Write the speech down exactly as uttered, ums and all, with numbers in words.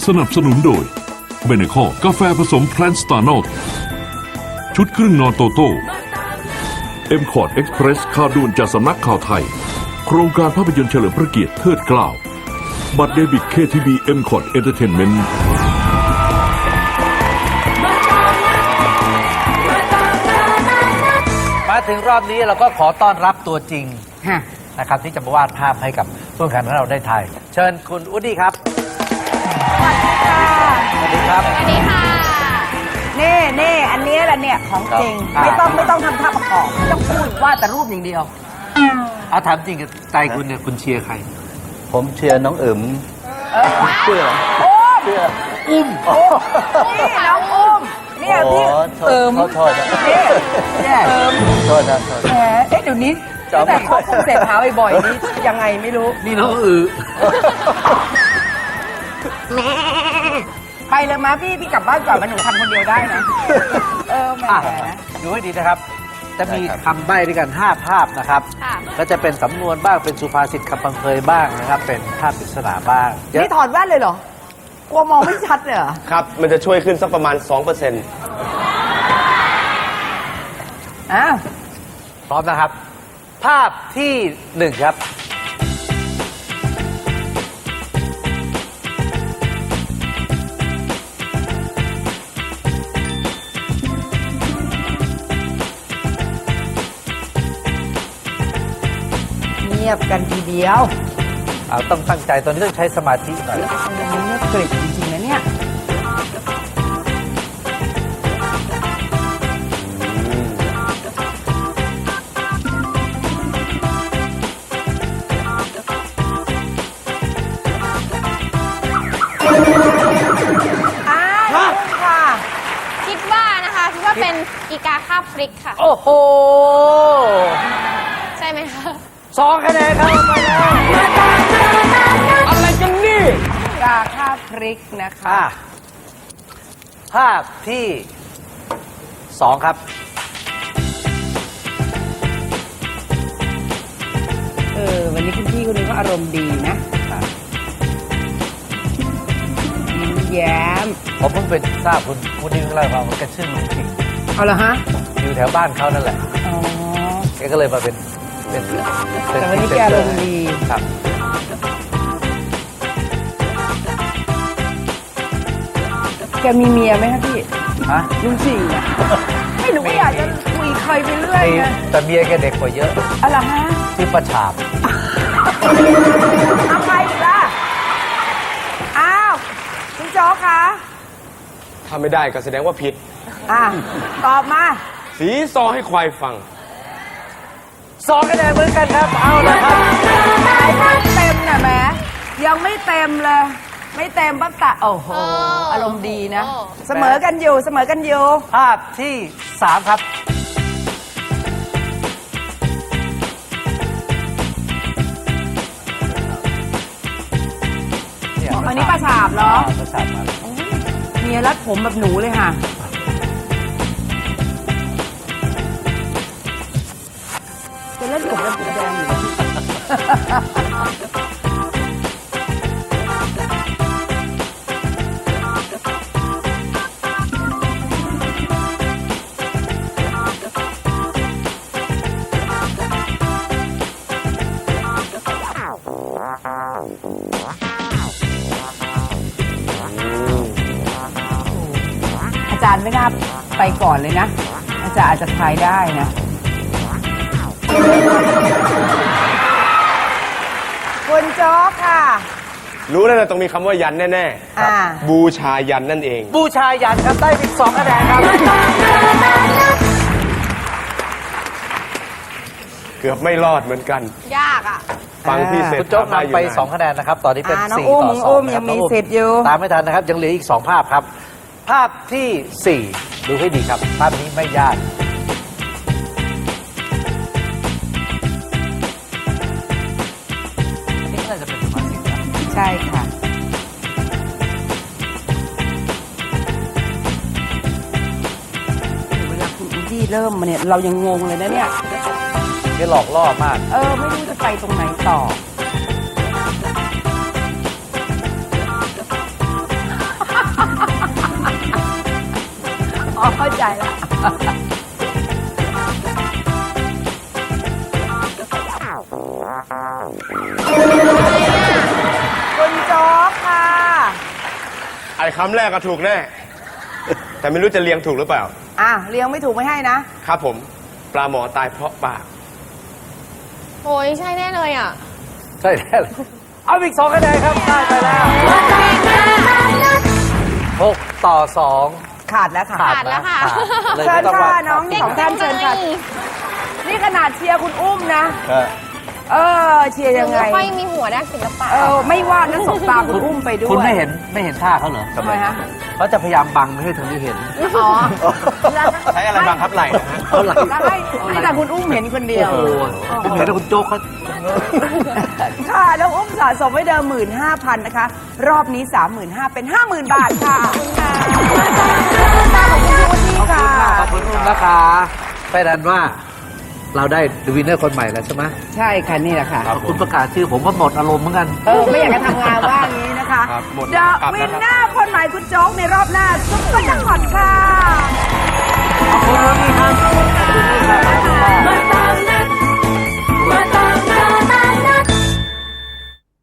สนับสนุนโดยเบเนคอกาแฟผสมแพลนสตาร์นอลชุดครึ่งนอนโตโต้เอ็มคอร์ดเอ็กซ์เพรสข่าวด่วนจากสำนักข่าวไทยโครงการภาพยนตร์เฉลิมพระเกียรติเทิดเกล้าบัตรเดบิตเคทีบีเอ็มคอร์ดเอนเตอร์เทนเมนต์มาถึงรอบนี้เราก็ขอต้อนรับตัวจริงนะครับที่จะมาวาดภาพให้กับผู้แข่งขันของเราได้ถ่ายเชิญคุณอูดดี้ครับสวัสดีครับสวัสดีค่ะนี่นี่อันนี้แหละเนี่ยของจริงครับไม่ต้องไม่ต้องทำท่าประกอบไม่ต้องพูดว่าแต่รูปอย่างเดียวเอาถามจริงกับใจคุณเนี่ยคุณเชียร์ใครผมเชียร์น้องเอิ๋มเชื่ออุ้มนี่น้องอุ้มเนี่ยโอ้พี่โทษเขาโทษนะนี่เนี่ยเอิมโทษนะโทษแหมเอ๊ะเดี๋ยวนี้ตั้งแต่เข้าคุมเสร็จหาบ่อยๆนี่ยังไงไม่รู้นี่น้องอือไปเลยมาพี่พี่กลับบ้านก่อนมาหนูทำคนเดียวได้นะเออแหมอ่ะดูให้ดีนะครับ จะมีคำใบ้ด้วยกันห้าภาพนะครับค่ะก็จะเป็นสำนวนบ้างเป็นสุภาษิตคำพังเพยบ้างนะครับ เป็นภาพปริศนาบ้างเยนี่อะถอดแว่นเลยเหรอ กลัวมองไม่ชัดเลยเหรอครับ มันจะช่วยขึ้นสักประมาณ สองเปอร์เซ็นต์อ้าวพร้อมนะครับ ภาพที่หนึ่งครับเงียบกันทีเดียวเอาต้องตั้งใจตอนนี้ต้องใช้สมาธิหน่อยมันเงียบกริบจริงๆนะเนี่ยอ้าวค่ะคิดว่านะคะคิดว่าเป็นอีกาคาบพริกค่ะโอ้โหใช่ไหมคะสองคะแนนครับไปแล้วอะไรกันนี่กาข้าวพริกนะคะอ่ะภาพที่สองครับเออ วันนี้คุณพี่คนนี้ก็อารมณ์ดีนะยิ้มแย้มผมเพิ่งไปทราบคุณคุณนิวเล่าให้ฟังว่าแกชื่อลุงชิงเอาละฮะอยู่แถวบ้านเขานั่นแหละอ๋อแกก็เลยมาเป็นเป็นเป็นแต่วันนี้แกอารมณ์ดีครับแกมีเมียไหมคะพี่ฮะลุงสิงห์อะไม่หนูก็อยากจะคุยใครไปเรื่อยไงแต่เมียแกเด็กกว่าเยอะเอาละฮะชื่อประชาบเอาใครอีกล่ะ อ้าวคุณโจ๊กคะถ้าไม่ได้ก็แสดงว่าผิดอ่ะ ตอบมาสีซอให้ควายฟังสองคะแนนเหมือนกันครับ เอาละครับไอ้ภาพเต็มน่ะแหมยังไม่เต็มเลย ไม่เต็มปั๊บตะโอ้โห อารมณ์ดีนะ เสมอกันอยู่เสมอกันอยู่ภาพที่สามครับอ๋ออันนี้ปลาฉาบเหรอประชาบมาแล้วเมียรัดผมแบบหนูเลยค่ะ จะเล่นผมเป็นผมแดงอยู่นะอาจารย์ไม่น่าไปก่อนเลยนะ อาจารย์อาจจะทายได้นะ คุณโจ๊กค่ะรู้แล้วนะต้องมีคำว่ายันแน่อ่าๆ บูชายันนั่นเองบูชายันครับได้อีกสองคะแนนครับเกือบไม่รอดเหมือนกันยากอ่ะฟังพี่เสร็จคุณโจ๊กทำด้นำไปยู่นานสองคะแนนนะครับ ตอนนี้เป็นอ่าน้องสี่อุ้มต่อสอุ้องมนะคยัรับงมีน้องสิทธิ์อยู่ตามไม่ทันนะครับ ยังเหลืออีกสองภาพครับ ภาพที่สี่ดูให้ดีครับ ภาพนี้ไม่ยากอันนี้น่าจะเป็นสุภาษิตนะใช่ค่ะ เวลาคุณอูดี้เริ่มมาเนี่ย เรายังงงเลยนะเนี่ยแกหลอกล่อมากเออ ไม่รู้จะไปตรงไหนต่อใจแล้ว คุณโจ๊กค่ะไอ้คำแรกก็ถูกแน่ แต่ไม่รู้จะเรียงถูกหรือเปล่าอ่ะเลี้ยงไม่ถูกไม่ให้นะครับผม ปลาหมอตายเพราะปากโอ้ยใช่แน่เลยอ่ะใช่แล้วเอาอีกสองคะแนนครับได้ไปแล้วหกต่อสองขาดแล้วค่ะขาดแล้วค่ะเลยเชิไม่ญต้องค่ะว่าน้องสองท่านเชิญค่ะ นี่ขนาดเชียร์คุณอุ้มนะก็เออ เชียร์ยังไงไม่ค่อยมีหัวด้านศิลปะเออ ไม่ว่านะสบตาคุณอุ้มไปด้วยคุณไม่เห็นไม่เห็นท่าเขาเหรอทำไมฮะเขาจะพยายามบังไม่ให้ทางนี้เห็นอ๋อใช้อะไรบังคับไหล่นะฮะเขาหลังแล้วให้ให้แต่คุณอุ้มเห็นคนเดียวโอ้โหผมเห็นแล้วคุณโจ๊กเขาค่ะแล้วอุ้มสะสมไว้เดิมหมื่นห้าพันนะคะ รอบนี้สามหมื่นห้าเป็นห้าหมื่นบาทค่ะขอบคุณค่ะขอบคุณพี่ขอบค่ะคุณมากขอบคุณรุ่นนะคะไปดันว่าเราได้วินเนอร์คนใหม่แล้วใช่ไหมใช่ค่ะนี่แหละค่ะขอบคุณประกาศชื่อผมก็หมดอารมณ์เหมือนกันเออ ไม่อยากจะทำงานว่างนี้นะคะครับหมดเดอะกลับวิแล้วนครับเนอร์คนใหม่คุณโจ๊กในรอบหน้าซุปเปอร์จังหวัดค่ะ